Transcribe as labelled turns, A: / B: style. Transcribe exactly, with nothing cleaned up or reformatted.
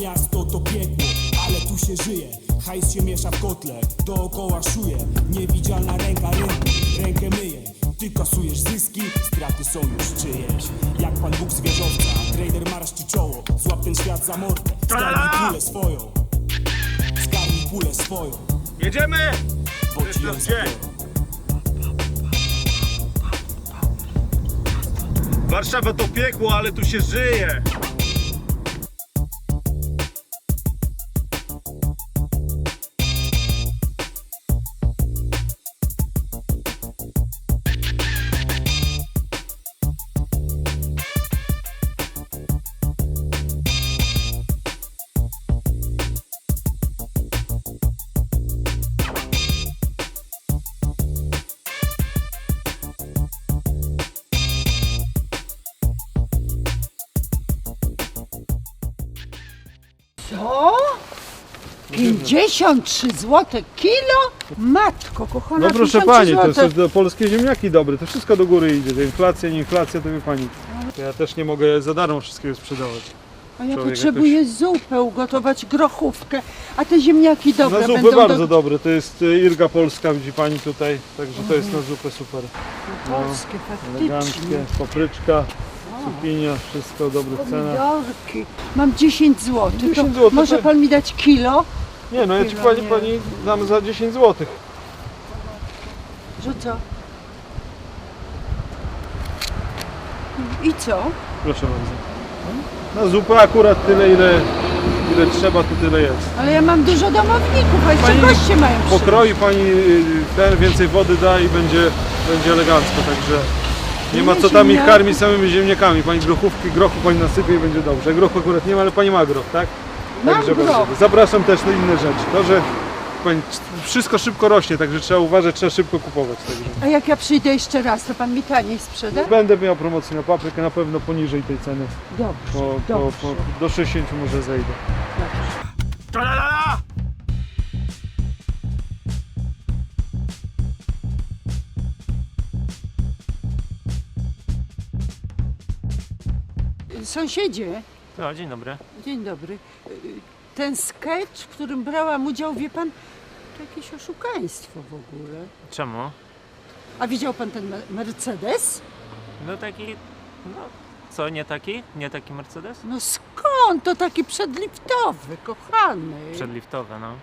A: miasto to piekło, ale tu się żyje. Hajs się miesza w kotle, dookoła szuje. Niewidzialna ręka rynku, rękę myje. Ty kasujesz zyski, straty są już czyjeś. Jak Pan Bóg z wieżowca, trader marszczy czoło. Złap ten świat za mordę, zgarnij kulę swoją. Zgarnij kulę swoją.
B: Jedziemy!
A: Bo ci ją zabiorą.
B: Warszawa to piekło, ale tu się żyje.
C: Co? pięćdziesiąt trzy złote kilo? Matko kochana,
D: No proszę
C: pięćdziesiąt trzy
D: pani, to
C: złote.
D: są polskie ziemniaki dobre, to wszystko do góry idzie. To inflacja, nie inflacja, to wie pani. To ja też nie mogę za darmo wszystkiego sprzedawać.
C: A ja
D: człowiek
C: potrzebuję zupę ugotować, grochówkę, a te ziemniaki dobre
D: Na zupy
C: będą
D: bardzo
C: do...
D: dobre, to jest y, Irga Polska, widzi pani tutaj, także to jest na zupę super.
C: polskie,
D: Eleganckie,
C: faktycznie.
D: papryczka, cukinia, wszystko dobre cena.
C: Pomidorki. Mam dziesięć złotych.
D: dziesięć
C: To
D: złotych,
C: może
D: tak.
C: pan mi dać kilo?
D: Nie no, ja ci
C: Chwila,
D: pani,
C: nie.
D: pani dam za dziesięć złotych.
C: Że co? I co?
D: Proszę bardzo. Na zupę akurat tyle, ile, ile trzeba, to tyle jest.
C: Ale ja mam dużo domowników, a jeszcze
D: Pani
C: goście mają przyjść.
D: Pokroi pani y, ten, więcej wody da i będzie, będzie elegancko, także nie ma co tam ich karmić samymi ziemniakami. Pani grochówki, grochu pani nasypie i będzie dobrze. Grochu akurat nie ma, ale pani ma groch, tak?
C: Mam
D: Także
C: groch.
D: bardzo. Zapraszam też na inne rzeczy. To, że pani, wszystko szybko rośnie, także trzeba uważać, trzeba szybko kupować. Także.
C: A jak ja przyjdę jeszcze raz, to pan mi taniej sprzeda?
D: Będę miał promocję na paprykę, na pewno poniżej tej ceny.
C: Dobrze,
D: Po, po,
C: dobrze.
D: po, do sześćdziesięciu może zejdę.
B: Tra-la-la-la!
C: Sąsiedzie,
E: No, dzień dobry.
C: dzień dobry. Ten sketch, w którym brałam udział, wie pan, to jakieś oszukaństwo w ogóle.
E: Czemu?
C: A widział pan ten me- Mercedes?
E: No taki, no co, nie taki? Nie taki Mercedes?
C: No skąd? To taki przedliftowy, kochany.
E: Przedliftowy, no.